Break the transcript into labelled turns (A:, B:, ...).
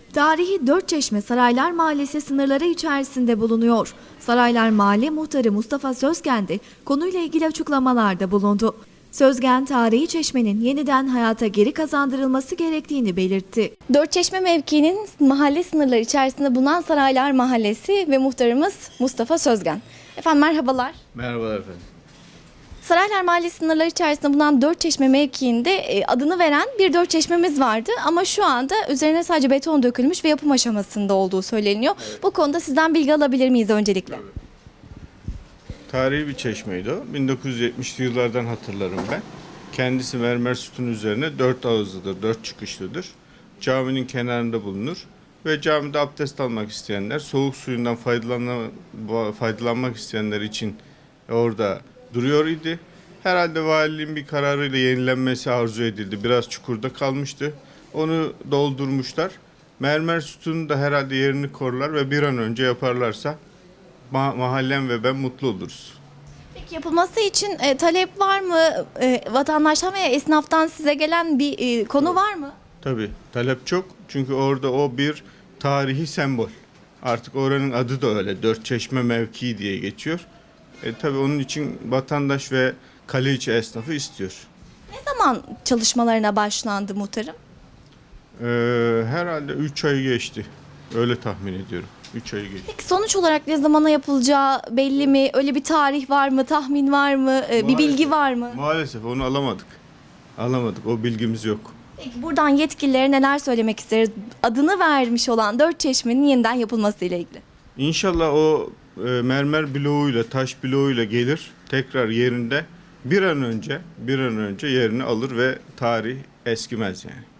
A: Tarihi Dörtçeşme Saraylar Mahallesi sınırları içerisinde bulunuyor. Saraylar Mahalle Muhtarı Mustafa Sözgen de konuyla ilgili açıklamalarda bulundu. Sözgen, tarihi çeşmenin yeniden hayata geri kazandırılması gerektiğini belirtti.
B: Dörtçeşme mevkiinin mahalle sınırları içerisinde bulunan Saraylar Mahallesi ve muhtarımız Mustafa Sözgen. Efendim merhabalar.
C: Merhabalar efendim.
B: Saraylar Mahallesi sınırları içerisinde bulunan Dörtçeşme mevkiinde adını veren bir dörtçeşmemiz vardı. Ama şu anda üzerine sadece beton dökülmüş ve yapım aşamasında olduğu söyleniyor. Evet. Bu konuda sizden bilgi alabilir miyiz öncelikle?
C: Tabii. Tarihi bir çeşmeydi o. 1970'li yıllardan hatırlarım ben. Kendisi mermer sütun üzerine 4 ağızlıdır, 4 çıkışlıdır. Caminin kenarında bulunur ve camide abdest almak isteyenler, soğuk suyundan faydalanmak isteyenler için orada duruyor idi. Herhalde valiliğin bir kararıyla yenilenmesi arzu edildi. Biraz çukurda kalmıştı. Onu doldurmuşlar. Mermer sütunu da herhalde yerini korlar ve bir an önce yaparlarsa mahallem ve ben mutlu oluruz.
B: Peki yapılması için talep var mı? Vatandaştan veya esnaftan size gelen bir konu var mı?
C: Tabii talep çok. Çünkü orada o bir tarihi sembol. Artık oranın adı da öyle. Dörtçeşme mevkii diye geçiyor. Tabii onun için vatandaş ve kale içi esnafı istiyor.
B: Ne zaman çalışmalarına başlandı muhtarım?
C: Herhalde 3 ay geçti. Öyle tahmin ediyorum. 3 ay geçti.
B: Peki sonuç olarak ne zamana yapılacağı belli mi? Öyle bir tarih var mı? Tahmin var mı? Bir bilgi var mı?
C: Maalesef onu alamadık. Alamadık. O bilgimiz yok.
B: Peki buradan yetkililere neler söylemek isteriz? Adını vermiş olan Dörtçeşme'nin yeniden yapılması ile ilgili.
C: İnşallah o mermer bloğuyla, taş bloğuyla gelir. Tekrar yerinde bir an önce yerini alır ve tarih eskimez yani.